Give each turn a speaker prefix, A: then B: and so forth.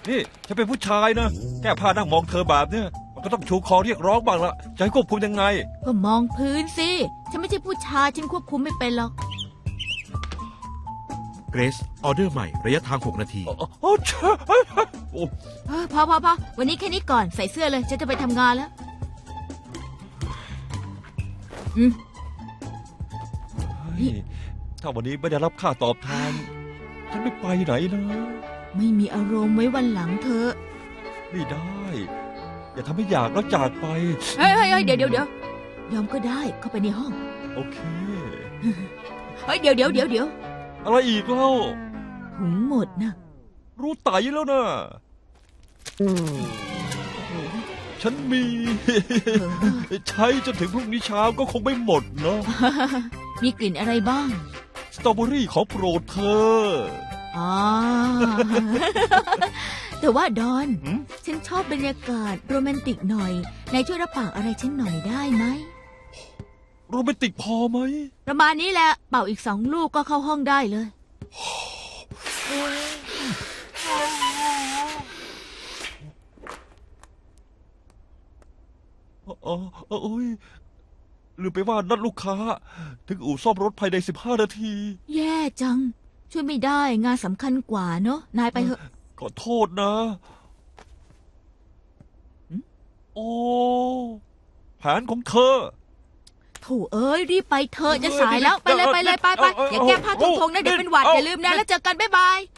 A: นี่ฉันเป็นผู้ชายนะแก้ผ้านั่งมองเธอแบบเนี้ยมันก็ต้องชูคอเรียกร้องบ้างละจะให้ควบคุมยังไง
B: ก็มองพื้นสิฉันไม่ใช่ผู้ชายฉันควบคุมไม่เป็นหรอก
C: เกรซออเดอร์ใหม่ระยะทาง 6 นาที
A: โอ้เช่โอ้
B: พอวันนี้แค่นี้ก่อนใส่เสื้อเลยฉันจะไปทำงานแล้วนี่
A: ถ้าวันนี้ไม่ได้รับค่าตอบแทนฉันไม่ไปไหนนะ
B: ไม่มีอารมณ์ไว้วันหลังเธอะ
A: ไม่ได้ อย่าทำให้อยากแล้วจากไป
B: เฮ้ยเดี๋ยวยอมก็ได้เข้าไปในห้อง
A: โอเค
B: เฮ้ยเดี๋ยว
A: อะไรอีกเล่า
B: ถุงหมดนะ
A: รู้ไตแล้วนะ ฉันมี ใช้จนถึงพรุ่งนี้เช้าก็คงไม่หมดเนาะ
B: มีกลิ่นอะไรบ้าง
A: สตรอเบอรี่ของโปรดเธอ
B: อ๋อ แต่ว่าดอน
A: หืม
B: ฉันชอบบรรยากาศโรแมนติกหน่อยนายช่วยรับปากอะไรฉันหน่อยได้ไหม
A: โรแมนติกพอไหม
B: ประมาณนี้แหละเป่าอีก2 ลูกก็เข้าห้องได้เลย
A: โอ้ยลืมไปว่านัดลูกค้า ถึงอู่ซ่อมรถภายใน15 นาที
B: แย่จัง ช่วยไม่ได้งานสำคัญกว่าเนอะนายไปเถอะ
A: ขอโทษนะโอ้แผนของเธอ
B: โถเอ้ยรีบไปเถอะจะสายแล้วไปเลยอย่าแก้ผ้าทงๆนะเดี๋ยวเป็นหวัดอย่าลืมนะแล้วเจอกันบ๊ายบาย